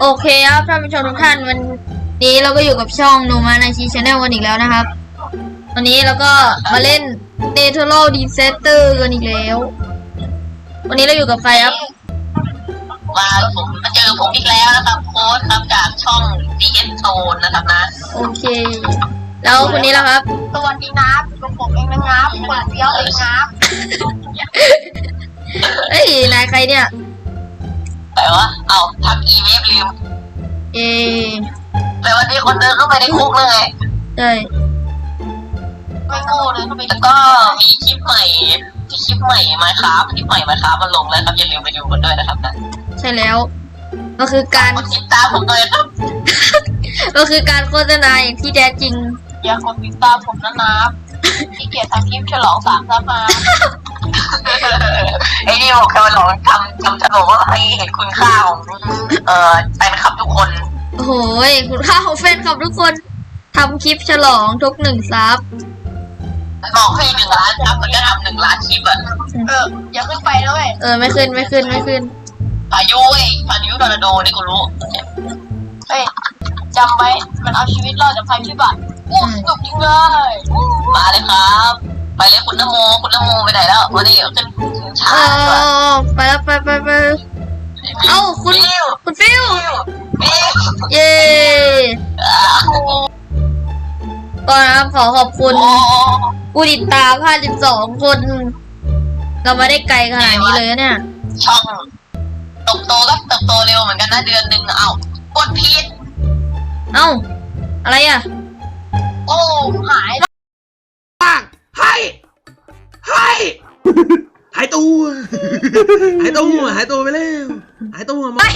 โอเคครับท่านผู้ชมทุกท่านวันนี้เราก็อยู่กับช่องโนมาในชีชแนลกันอีกแล้วนะครับวันนี้เราก็มาเล่น Natural Disaster กันอีกแล้ววันนี้เราอยู่กับใครครับมาเจอผมอีกแล้วนะครับโค้ดครับจากช่อง DS Zone นะครับนะโอเคแล้วคนนี้แล้วครับสวัสดีนะเป็นผมเองนะครับคนเดียวเองครับเอ้ยนายใครเนี่ยแต่ว่าเอาทำอีเวฟลืมแต่วันนี้คนเดินเข้าไปในคุกเลยไงใช่ไม่โง่เลยแล้วก็มีคลิปใหม่มาครับคลิปใหม่มาครับมาลงแล้วครับอย่าลืมไปดูกันด้วยนะครับนะใช่แล้วก็คือการติดตามผมเลยครับก็คือการโฆษณาอย่างที่แท้จริงอย่ากดติดตามผมนะที่เกียรติทำคลิปฉลอง3 ซับมาไอ้นี่บอกแค่ว่าหลองทำฉลองว่าให้เห็นคุณค่าของแฟนคลับทุกคนโอ้โหคุณค่าของแฟนคลับทุกคนทำคลิปฉลองทุก1 ซับบอกให้1 ล้านซับมันก็ทำ1 ล้านคลิปอ่ะอย่าขึ้นไปด้วยไม่ขึ้นพายุทอร์นาโดนี่กูรู้เฮ้ยจำไว้มันเอาชีวิตรอดจากภัยพิบัติสนุกจริงเลยมาเลยครับไปเลยคุณนโมไปไหนแล้ววันนี้ขึ้นช้าไปแล้วไปเอ้าคุณฟิวเย้ก่อนนะครับขอขอบคุณผู้ติดตาม52 คนเรามาได้ไกลขนาดนี้เลยเนี่ยช่องเติบโตเร็วเหมือนกันนะเดือนหนึ่งเอ้ากดผิดเอ้าอะไรอ่ะโอ้หายให้หายตัวไปแล้วหายตัวไม่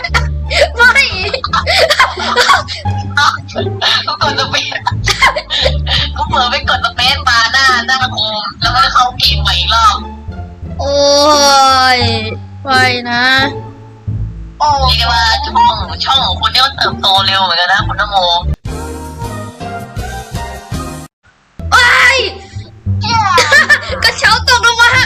ก็กดสเปซก็เปิดไปกดสเปซมาหน้าโฮมแล้วก็ได้เข้าเกมใหม่อีกรอบโอ้ยไปนะเรียกว่าช่องของคุณนี่มันเติบโตเร็วเหมือนกันนะคุณนโมกระเช้าตกลงมา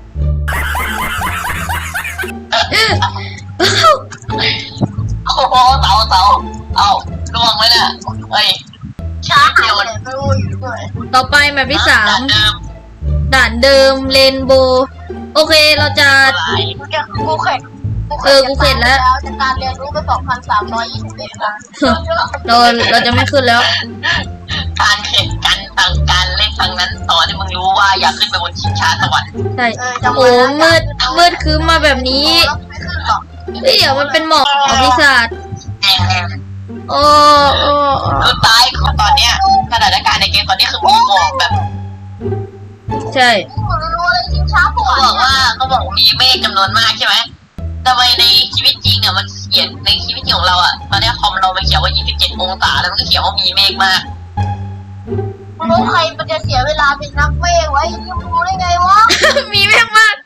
โอ้โหเต่าเอาล่วงไว้เนี่ยเฮ้ยช้าเดียวต่อไปแมปที่ด่านเดิมเรนโบว์โอเคเราจะกูเข็ดแล้วจากการเรียนรู้ไป2,321 ครั้งเราจะไม่ขึ้นแล้วการเข็ดกันการเล่นครั้งนั้นตอนที่มึงรู้ว่าอยากขึ้นไปบนชิงช้าสวรรค์ใช่โอ้มืดคืมมาแบบนี้เดี๋ยวมันเป็นหมอกปีศาจโอ้คือตายของตอนเนี้ยสถานการณ์ในเกมตอนนี้คือมีหมอกแบบใช่เขาบอกมีเมฆจำนวนมากใช่ไหมแต่ในชีวิตจริงอ่ะมันเขียนในชีวิตจริงของเราอ่ะตอนนี้คอมเรามันเขียนว่า27 องศาแล้วมันก็เขียนว่ามีเมฆมากรู้ใครมันจะเสียเวลาเป็นนักเมฆไว้ยังรู้ได้ไงวะมีเมฆมาก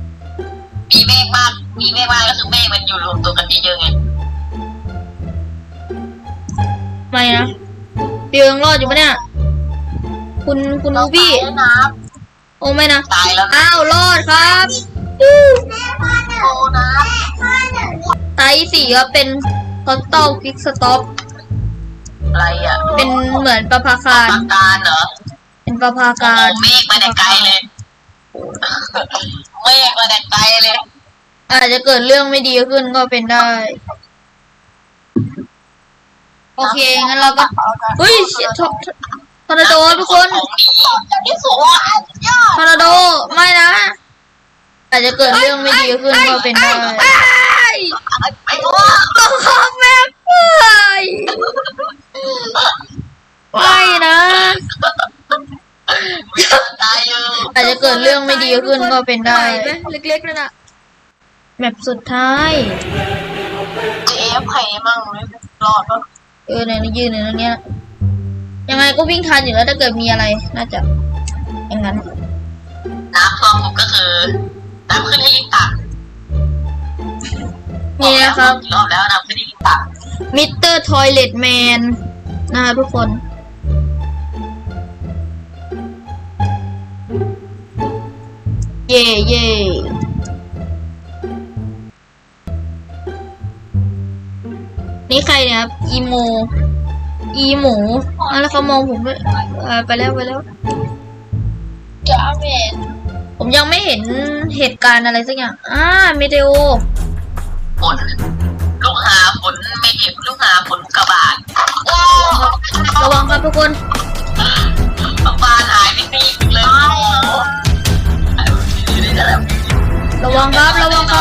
ก็คือเมฆมันอยู่รวมตัวกันเยอะๆไงไม่นะเปียงรอดอยู่ปะเนี่ยคุณนูบี้โอ้ไม่นะตายแล้วอ้าวรอดครับโอ้นะไต4ก็เป็นคอสตอลควิกสต็อปอะไรอ่ะเป็นเหมือนประภาคารเหรอเป็นประภาการเมฆมาแต่ไกลเลยอาจจะเกิดเรื่องไม่ดีขึ้นก็เป็นได้โอเคงั้นเราก็เฮ้ยทอร์นาโดทุกคนทอร์นาโดไม่นะอาจจะเกิดเรื่องไม่ดีขึ้นก็เป็นได้ต้องขอแม่ไม่นะอาจจะเกิดเรื่องไม่ดีขึ้นก็เป็นได้เล็กๆนั่นน่ะแมปสุดท้ายเจ๊ไผ่มั่งไม่รอดปะในนี้ยืนในนี้ยังไงก็วิ่งทันอยู่แล้วถ้าเกิดมีอะไรน่าจะอย่างนั้นน้ำท่วมก็คือน้ำขึ้นให้รีบตักนี่นะครับรอบแล้วน้ำขึ้นให้รีบตักมิสเตอร์ทอยเลทแมนนะคะทุกคนเย่นี่ใครเนี่ยครับอีโมอีหมูแล้วเขามองผมด้วยไปแล้วจะเมนผมยังไม่เห็นเหตุการณ์อะไรสักอย่างเมเทโอฝนลูกหาฝนไม่เห็นลูกหาฝนกระบาดระวังครับทุกคนบ้านหายไปตีอีกเลยระวังครับ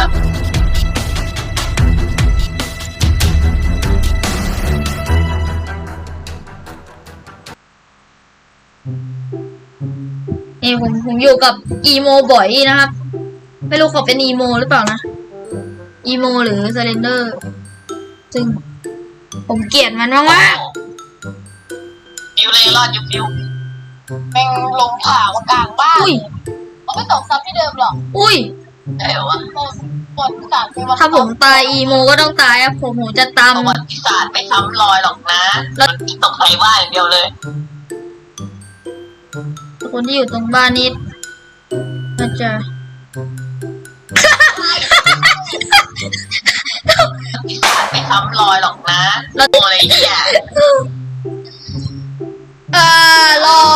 นี่ผมอยู่กับอีโมบ่อยนะครับ ไม่รู้เขาเป็นอีโมหรือเปล่านะอีโมหรือเซเลนเดอร์ซึ่งผมเกลียดมันมากฟิวเลยรอดอยู่ฟิวแม่งลงข่าวกลางบ้านอุ้ยเขาไม่ตกซ้ำที่เดิมหรอกอุ้ยเดี๋ยวว่าฝนสาดไปวันถ้าผมตายอีโมก็ต้องตายครับผมจะตามประวัติศาสตร์ไม่ซ้ำรอยหรอกนะมันตกใส่บ้านอย่างเดียวเลยคนที่อยู่ตรงบ้านนี้น่าจะไม่ซ้ำรอยหรอกนะแล้วอะไรเนี่ยรอ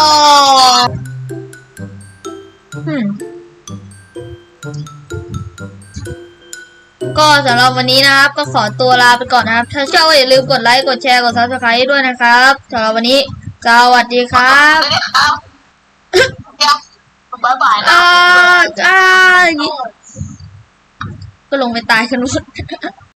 ก็สำหรับวันนี้นะครับ ก็ขอตัวลาไปก่อนนะครับ ถ้าชอบก็อย่าลืมกดไลค์ กดแชร์ กด Subscribe ด้วยนะครับสำหรับวันนี้สวัสดีครับไม่ได้ครับบ๊ายบายนะอย่างนี้ก็ลงไปตายกันหมด